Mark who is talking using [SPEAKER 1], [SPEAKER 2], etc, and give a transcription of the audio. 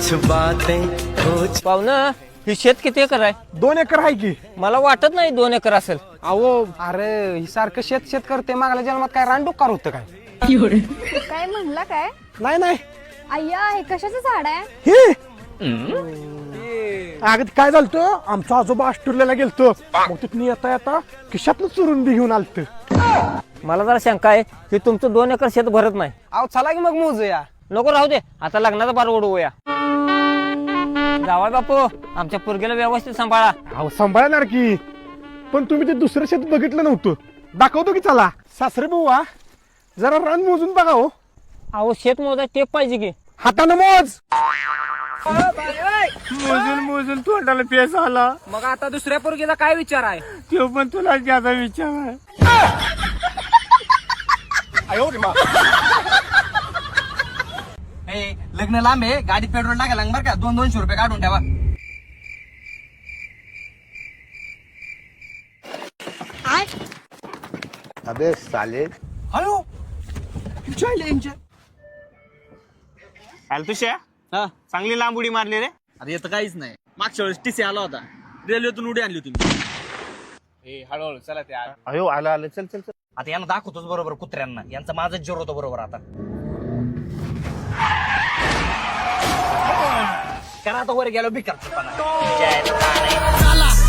[SPEAKER 1] कुछ बातें कुछ
[SPEAKER 2] पाहुणं ही शेत किती एकर आहे?
[SPEAKER 3] 2 एकर आहे की.
[SPEAKER 2] मला वाटत नाही 2 एकर असेल.
[SPEAKER 3] अहो अरे ही सारखं शेत शेत करते, मागल्या जन्मात काय रानडुक्कार होतं काय?
[SPEAKER 4] काय म्हणला काय?
[SPEAKER 3] नाही नाही
[SPEAKER 4] अय्या हे कशाचं झाड आहे?
[SPEAKER 3] हे अगं काय झालं, आमचा आजोबा ऑस्ट्रेलियाला गेलतो, मग तिथून येता येता खिशातनं चुरून बी घेऊन आलत.
[SPEAKER 2] मला जरा शंका आहे की तुमचं 2 एकर शेत भरत नाही.
[SPEAKER 3] अहो चला की मग मोजूया.
[SPEAKER 2] नको राहू दे, आता लग्नाचा बार उडवूया. जावा बापू, आमच्या पोरगीला व्यवस्थित सांभाळा.
[SPEAKER 3] अहो सांभाळणार की, पण तुम्ही ते दुसरं शेत बघितलं नव्हतं. दाखवतो की चला. सासरे बुवा जरा रान मोजून बघा हो.
[SPEAKER 2] अहो शेत मोजा टेप पाहिजे की.
[SPEAKER 3] हातानं मोज.
[SPEAKER 5] मोजून मोजून तोंडाला पेस आला.
[SPEAKER 2] मग आता दुसऱ्या पोरगीचा काय विचार आहे?
[SPEAKER 5] तो पण तुला ज्यादा विचार आहे.
[SPEAKER 6] लग्न लांब आहे, गाडीत पेट्रोल टाकायला बरं का. 200 रुपये काढून ठेवा.
[SPEAKER 7] अबे साले.
[SPEAKER 6] हॅलो
[SPEAKER 5] तुझ्या
[SPEAKER 6] हा
[SPEAKER 5] चांगली लांब उडी मारली रे.
[SPEAKER 6] अरे येतं काहीच नाही. मागच्या वेळेस टीसी आला होता, रेल्वेतून उडी आणली होती.
[SPEAKER 5] हळूहळू चला ते
[SPEAKER 7] अयो आलं आलं, चल चल चल.
[SPEAKER 6] आता यांना दाखवतोच बरोबर कुत्र्यांना. यांचा माझाच जोर होतो बरोबर. आता करा आता वर गेलो भिकार.